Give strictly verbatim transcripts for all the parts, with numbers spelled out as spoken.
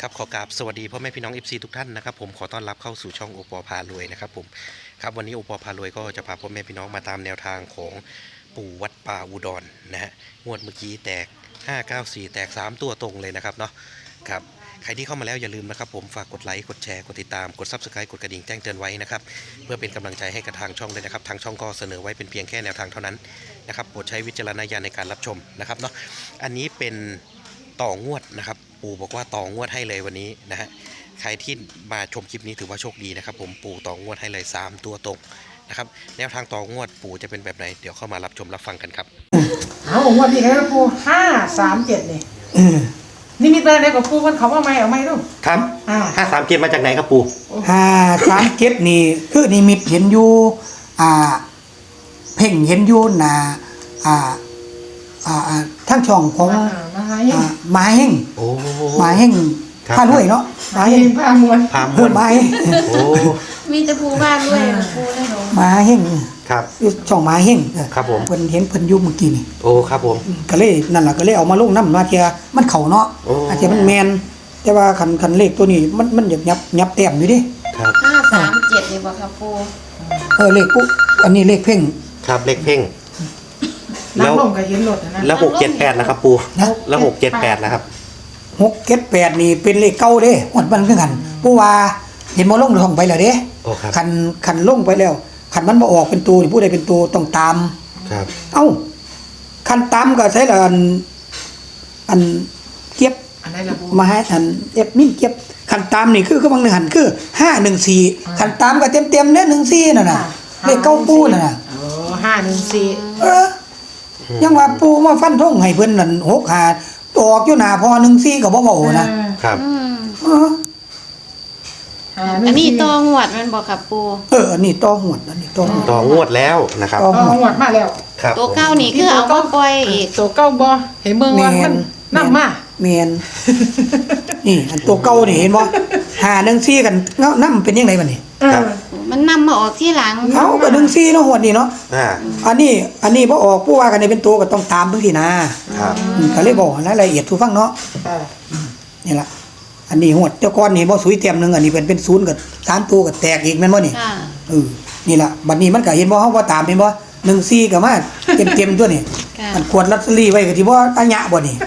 ครับขอกราบสวัสดีพ่อแม่พี่น้อง เอฟ ซี ทุกท่านนะครับผมขอต้อนรับเข้าสู่ช่องโอปอพารวยนะครับผมครับวันนี้โอปอพารวยก็จะพาพ่อแม่พี่น้องมาตามแนวทางของปู่วัดป่าอุดรนะฮะงวดเมื่อกี้แตกห้า เก้า สี่แตกสามตัวตรงเลยนะครับเนาะครับใครที่เข้ามาแล้วอย่าลืมนะครับผมฝากกดไลค์กดแชร์กดติดตามกด ซับสไครบ์ กดกระดิ่งแจ้งเตือนไว้นะครับเพื่อเป็นกำลังใจให้กับทางช่องด้วยนะครับทางช่องก็เสนอไว้เป็นเพียงแค่แนวทางเท่านั้นนะครับโปรดใช้วิจารณญาณในการรับชมนะครับเนาะอันนี้เป็นต่องวดนะครับปู่บอกว่าต่องวดให้เลยวันนี้นะฮะใครที่มาชมคลิปนี้ถือว่าโชคดีนะครับผมปู่ต่องวดให้เลยสามตัวตรงนะครับแนวทางต่องวดปู่จะเป็นแบบไหนเดี๋ยวเข้ามารับชมรับฟังกันครับเอางวดนี้ครับปูห้าสามเจ็ดนี่นี่มีแปลงใดกับปูมันเขาว่าไม่เอาไม่รู้ครับห้าสามเจ็ดมาจากไหนครับปู่ห้าสามเจ็ดนี่คือนิมิตเห็นอยู่อ่าเพ่งเห็นอยู่น่ะอ่าอ่าอ่าทั้งช่องของมหาเฮงมหาเฮงโอ้มหาเฮงพารวยเนาะมหาเฮงพามวลพามวลมหาเฮงโอ้มีแต่ภูบ้านด้วยภูได้หรอมหาเฮงครับช่องมหาเฮงครับผมเพิ่นเห็นเพิ่นอยู่เมื่อกี้นี่โอ้ครับผมก็เลยนั่นล่ะก็เลยเอามาลงนำว่าเทียมันเข้าเนาะอาจจะมันแม่นแต่ว่าคันคันเลขตัวนี้มันมันยับยับยับแต้มอยู่ดิครับห้าสามเจ็ดนี่บ่ครับปูเออเลขปุ๊อันนี้เลขเพ่งครับเลขเพ่งแล้วลงก็เห็นรถนะแล้วหกเจ็ดแปดนะครับปูแล้วหกเจ็ดแปดนะครับหกเจ็ดแปดนี่เป็นเลขเก่าเด้หมดมันคือกันผู้ว่าเห็นบ่ลงท่องไปแล้วเด้คันคันลงไปแล้วคันมันบ่ออกเป็นตัวนี่ผู้ใดเป็นตัวต้องตามครับเอ้าคันตามก็ใช้ละอันอันเก็บอันไหนล่ะปูมาให้อันเอฟมินเก็บคันตามนี่คือคือบางหนึ่งหันคือห้าหนึ่งสี่คันตามก็เต็มๆเด้หนึ่งสี่นั่นน่ะเลขเก้าปูนั่นน่ะโอ้ห้าหนึ่งสี่เออยังว่าปูมาฟันธงให้เพิ่นนั่นหกห้าออกอยู่หน้าพอหนึ่งสี่ก็บ่เว้านะครับเอออันนี้ตองวดมันบอกครับปูเอออันนี้ต่อหวดอันนี้ต่อหวดต่องวดแล้วนะครับต่องวดมาแล้วครับตัวเก้านี่คือเอามาปล่อยอีกตัวเก้าบ่เห็นเมืองว่ามันนำมาแม่นนี่อันตัวเก่านี่เห็นบ่ห้าหนึ่งสี่กันเนาะนำเป็นยังไงบัดนี้ครับมันนำมาออกที่หลังเอ้าก็หนึ่งสี่เนาะหวดนี่เนาะอ่าอันนี้อันนี้บ่ออกผู้ว่ากันนี่เป็นตัวก็ต้องตามเพิ่นสินะครับก็เลยบอกรายละเอียดทุกฟังเนาะนี่ล่ะอันนี้หวดเจ้าก้อนนี่บ่สุยเต็มนึงอันนี้เป็นเป็นศูนย์กับสามตัวก็แตกอีกแม่นบ่นี่เออนี่ล่ะบัดนี้มันก็เห็นบ่เฮาบ่ตามเห็นบ่หนึ่งสี่ก็มาเต็มๆตัวนี่มันขวดลอตเตอรี่ไว้ก็สิบ่อัญญะบ่นี่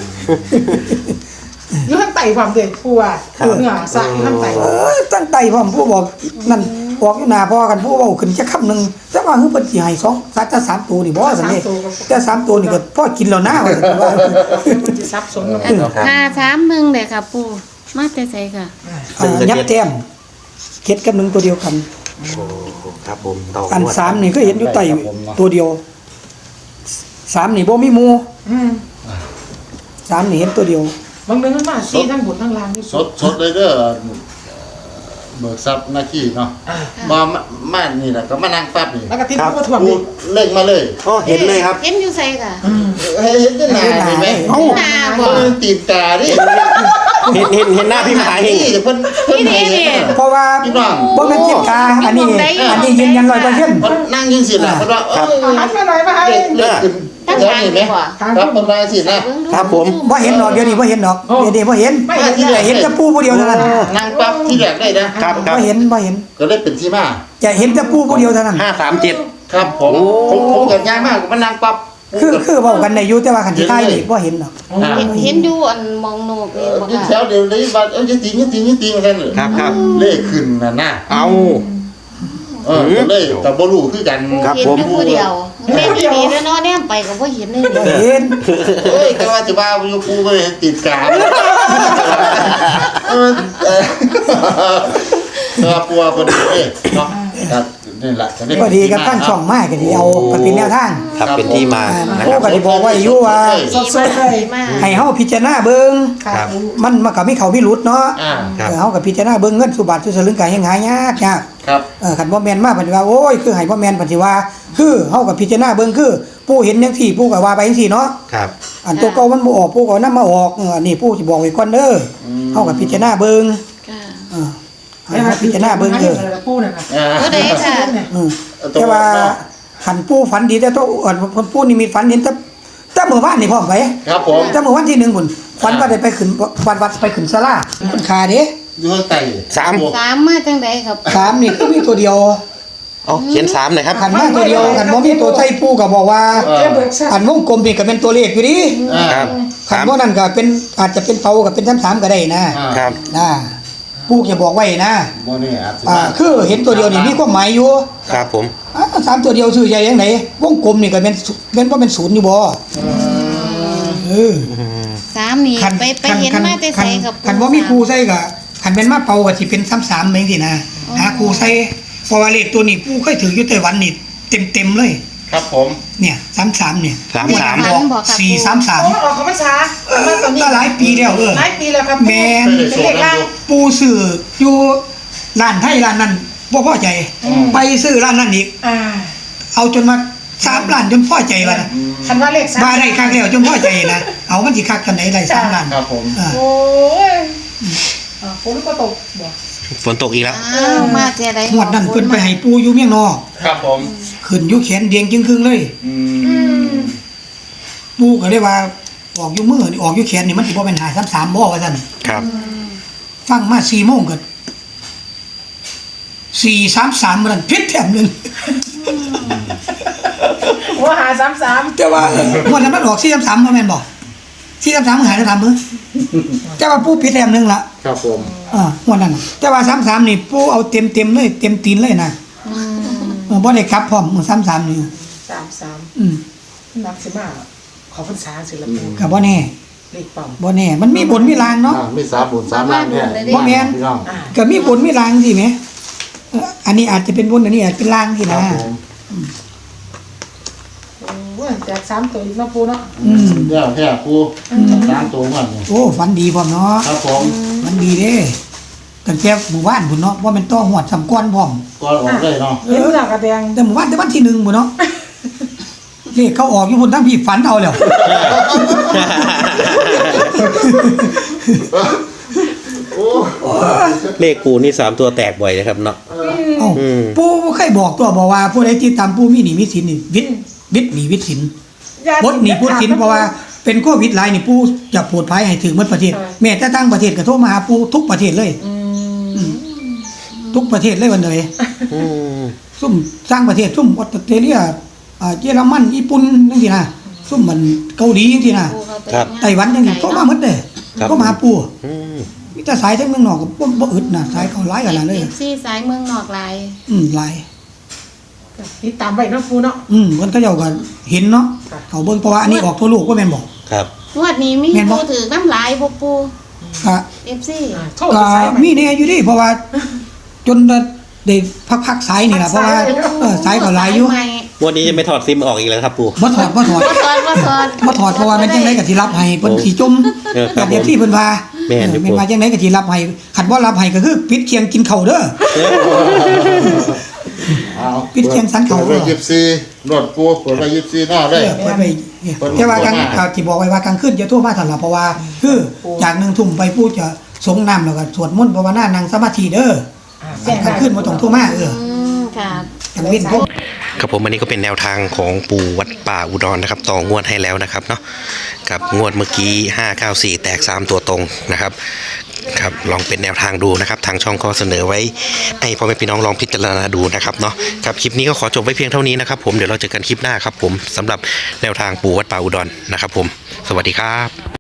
อยู่ข้างใต้ความเด็กปูว่าเนื้อสะอยู่ข้างใต้เอ้ยตั้งใต้พร้อมผู้บอกนั่นออกอยู่หน้าพอกันผู้เว้าขึ้นจักคำนึงแต่ว่าคือเพิ่นสิให้สองสัตว์สามตัวนี่บ่ซั่นนี่แต่สามตัวนี่ก็พอกินแล้วนะว่าซั่นว่ามันสิซับซ้อนห้าสามหนึ่งเด้อครับปูมาแต่ไสค่ะยับแต้มเจ็ดกับหนึ่งตัวเดียวกันโอ้ครับผมอันสามนี่ก็เห็นอยู่ใต้ตัวเดียวสามนี่บ่มีหมู่อืมสามนี่เห็นตัวเดียวบางเดือนมันมาสี่ทั้งบนทั้งล่างนี่สดสดเลยเด้อเบิกทรัพย์หน้าที่เนาะมามานี่แหละก็มานั่งปั๊บนี่แล้วก็ทิ้งผู้ถ่วงนี่เล่งมาเลยอ๋อเห็นเลยครับเห็นอยู่ไสค่ะเห็นที่หน้าเห็นไหมหน้าบ่ตีนตาดิเห็นเห็นเห็นหน้าพี่มหาเฮงเพิ่นเพิ่นเห็นเพราะว่าบ่แม่นจิตตาอันนี้อันนี้ยืนยัน ร้อยเปอร์เซ็นต์นั่งยิงสิล่ะเพิ่นว่าเออหันไปหน่อยมาให้เลิกขึ้นตั้งใจเห็นมั้ยครับเพิ่นว่าสินะครับผมบ่เห็นดอกเดี๋ยวนี้บ่เห็นดอกเดี๋ยวนี้บ่เห็นเห็นแต่ปูผู้เดียวเท่านั้นนั่งปั๊บที่แรกได้นะครับบ่เห็นบ่เห็นก็เลยเป็นที่มาจะเห็นแต่ปูผู้เดียวเท่านั้นห้าสามเจ็ดครับผมผมผมก็ง่ายมากมันนั่งปั๊บคือคือเว้ากันได้อยู่แต่ว่าคันสิทายนี่บ่เห็นดอกเห็นอยู่อันมองโนกนี่บ่ค่ะแถวเดียวเลยว่าเอ้ยจริงจริงจริงๆกันเลยครับครับเลขขึ้นน่ะนะเอาเออเลยแต่บ่รู้คือกันครับผมผู้เดียวแม่ที่นี่เนาะแนมไปก็บ่เห็นเลยเห็นเอ้ยแต่ว่าจะว่าอยู่กูบ่เห็นติดกาเออเออตัวปัวพอดีเอ้เนาะครับนี่แหละพอดีกับตั้งช่องมาก็สิเอาก็เป็นแนวทางครับเป็นที่มานะครับก็สิบอกไว้อยู่ว่าให้เฮาพิจารณาเบิ่งมันมันก็มีเข้ามีหลุดเนาะเออเฮาก็พิจารณาเบิ่งเงินสุบาทสุสลึงก็ยังหายากยากครับเออคันบ่แม่นมาเพิ่นว่าโอ้ยคือให้บ่แม่นเพิ่นสิว่าคือเฮาก็พิจารณาเบิ่งคือผู้เห็นจังซี่ผู้ก็ว่าไปจังซี่เนาะครับอันตัวเก่ามันบ่ออกผู้ก็นำมาออกเอออันนี้ผู้สิบอกไว้ก่อนเด้อเฮาก็พิจารณาเบิ่งค่ะเออให้พิจารณาเบิ่งเด้อปูนั่นน่ะตัวใดค่ะอือแต่ว่าคันผู้ฝันดีแต่ตัวอ่อนคนผู้นี่มีฝันเห็นแต่แต่เมื่อวานนี่พร้อมไปครับผมแต่เมื่อวันที่หนึ่งพุ่นฝันว่าได้ไปขึ้นวันวัดไปขึ้นศาลาคนขาเด้อยู่ข้างใต้สามสามมาจังใดครับสามนี่ก็มีตัวเดียวเอาเขียนสามหน่อยครับขันมาตัวเดียวขันบ่มีตัวใส่ปูก็บอกว่าแค่เบิกทราบอันวงกลมนี่ก็เป็นตัวเลขอยู่ดิอ่าครับขันบ่นั่นก็เป็นอาจจะเป็นเตากับเป็นสามๆก็ได้นะอ่าครับนะปูจะบอกไว้นะโมนี่อาจจะอ่าคือเห็นตัวเดียวนี่มีความหมายอยู่ครับผมอ่าสามตัวเดียวชื่อใหญ่ยังไงวงกลมนี่ก็เป็นเป็นว่าเป็นศูนย์อยู่บ่เออสามนี่ไปไปเห็นมาแต่ใส่กับคันว่ามีครูใส่ก็คันเป็นมาเป่าก็สิเป็นซ้ำๆเหมือนสินะหาครูใส่เพราะว่าเลขตัวนี้ปู่เคยถืออยู่ไต้หวันนี่เต็มๆเลยครับผมเนี่ยซ้ำๆเนี่ยสามสามฝันบอกครับสี่สามสามโอ้ออกของพรรษาเออก็หลายปีแล้วเออหลายปีแล้วครับแม่นเป็นเลขล่างปูซื้ออยู่ร้านไทยร้านนั้นบ่พอใจ ไปซื้อร้านนั้นอีกอ่าเอาจนมาสามล้านจนพอใจว่านะคันว่าเลขสามมาได้ครั้งแล้วจนพอใจนะเอามันสิคักกันไหนได้สามล้านครับผมอ่าโอ้ยอ่าฝนก็ตกบ่ฝนตกอีกแล้วอ้าวมาแต่ใดงวดนั้นเพิ่นไปให้ปูอยู่เมียงนอกครับผมขึ้นอยู่แขนเดียงจึงครึ่งเลยอืมปูก็เลยว่าออกอยู่มือนี่ออกอยู่แขนนี่มันสิบ่เป็นหาสามๆบ่ว่าซั่นครับฟังมาสี่โมงก็สี่สามสามมันผิดแถมหนึงว่าหาสามสามแต่ว่าเออวันนั้นมันออกสี่สามสามบ่แม่นบ่สี่สามสามมันหายได้ถามเบิ่งแต่ว่าปูผิดแถมหนึงล่ะครับผมอ่าวันนั้นน่ะแต่ว่าสามสามนี่ปูเอาเต็มๆเลยเต็มตีนเลยนะอืมเออบ่ได้กลับพร้อมมื้อสามสามนี่สามสามอืมนักสิมาขอพรรษาศิลปินก็บ่แน่เลขปั๊มบ่แน่มันมีบนมีลางเนาะอ่ามีสามบุญสามล้านแท้บ่แม่นพี่น้องอ่าก็มีบนมีลางสิแหมเอ่ออันนี้อาจจะเป็นบนอันนี้อาจจะเป็นลางสิคนะรับผมโอ้ยแจกสามตัวอีกเนาะปูเนาะอืมเดี๋ยวแท้ครูสามตัวมันนี่โอ้ฝันดีพร้อมเนาะครับผมฝันดีเด้ตั้งแต่หมู่บ้านพุ่นเนาะว่ามันต้อหวดสำก้อนพร้อมก่อนออกได้เนาะเห็นหลักกระแดงแต่หมู่บ้านแต่วันที่หนึ่งพุ่นเนาะเลขเขาออกอยู่พุ่นทั้งพี่ฝันเอาแล้วโอ้เลขปูนี่สามตัวแตกบ่อยนะครับเนาะเอ้าอืมปู่เคยบอกตัวบอกว่าผู้ใดที่ตามปู่มีหนี้มีสินนี่วิทย์วิทย์หนี้วิทย์สิน บดหนีพูดสินเพราะว่าเป็นโควิดหลายนี่ผู้จะโปรดภัยให้ถึงหมดประเทศ แม้แต่ต่างประเทศก็โทรมาหาผู้ทุกประเทศเลยอืมทุกประเทศเลยวันเลยอืมซุ่มสร้างประเทศซุ่มออสเตรเลียอ่าเยอรมันญี่ปุ่นจังซี่นะซุ่มมันเกาหลีจังซี่นะปูเข้าไปครับไต้หวันจังซี่โทรมาหมดเด้ครับก็มาหาปู่อืมมีแต่สายทั้งเมืองนอกก็บ่บ่อึดนะสายเขาหลายขนาดเลยเอฟซีสายเมืองนอกหลายอืมหลายติดตามไปเนาะปูเนาะอืมเพิ่นก็เจ้าก็เห็นเนาะครับเขาเบิ่งเพราะว่าอันนี้ออกทั่วโลกก็แม่นบ่ครับงวดนี้มีแม่นบ่ปูถือน้ำลายบ่ปูก็เอฟซีอ่าโทษก็สายใหม่มีแน่อยู่ดิเพราะว่า จนได้พักๆสายนี่ล่ะเพราะว่าเออสายก็หลายอยู่ใหม่วันนี้จะไม่ถอดซิมออกอีกแล้วครับปูบ่ถอดบ่ถอดบ่ถอดบ่ถอดบ่ถอดเพราะว่ามันจังไดก็สิรับให้เพิ่นสิจมเออครับกับเดี๋ยวที่เพิ่นว่าแม่นอยู่เออแม่นว่าจังไดก็สิรับให้คันบ่รับให้ก็คือปิดเคียงกินข้าวเด้อเอาปิดเชียงสันเขาเปิดไปยิบซีรถปูเปิดไปยิบซีหน้าเอเลยอเปิดไปเนี่ยแต่ว่ากลางก็สิบอกไว้ว่ากลางคืนจะโทรมาทันล่ะเพราะว่าคือจากหนึ่งทุ่มไปผู้จะสงน้ำแล้วก็สวดมนต์ภาวนานั่งสมาธิเด้ออ่าแจ้งกลางคืนบ่ต้องโทรมาเอออืมค่ะกลางเว้นพวกครับผมอันนี้ก็เป็นแนวทางของปู่วัดป่าอุดรนะครับต่องวดให้แล้วนะครับเนาะกับงวดเมื่อกี้ห้าเก้าสี่แตกสามตัวตรงนะครับครับลองเป็นแนวทางดูนะครับทางช่องก็เสนอไว้ให้พ่อแม่พี่น้องลองพิจารณาดูนะครับเนาะครับคลิปนี้ก็ขอจบไว้เพียงเท่านี้นะครับผมเดี๋ยวเราเจอกันคลิปหน้าครับผมสำหรับแนวทางปู่วัดป่าอุดรนะครับผมสวัสดีครับ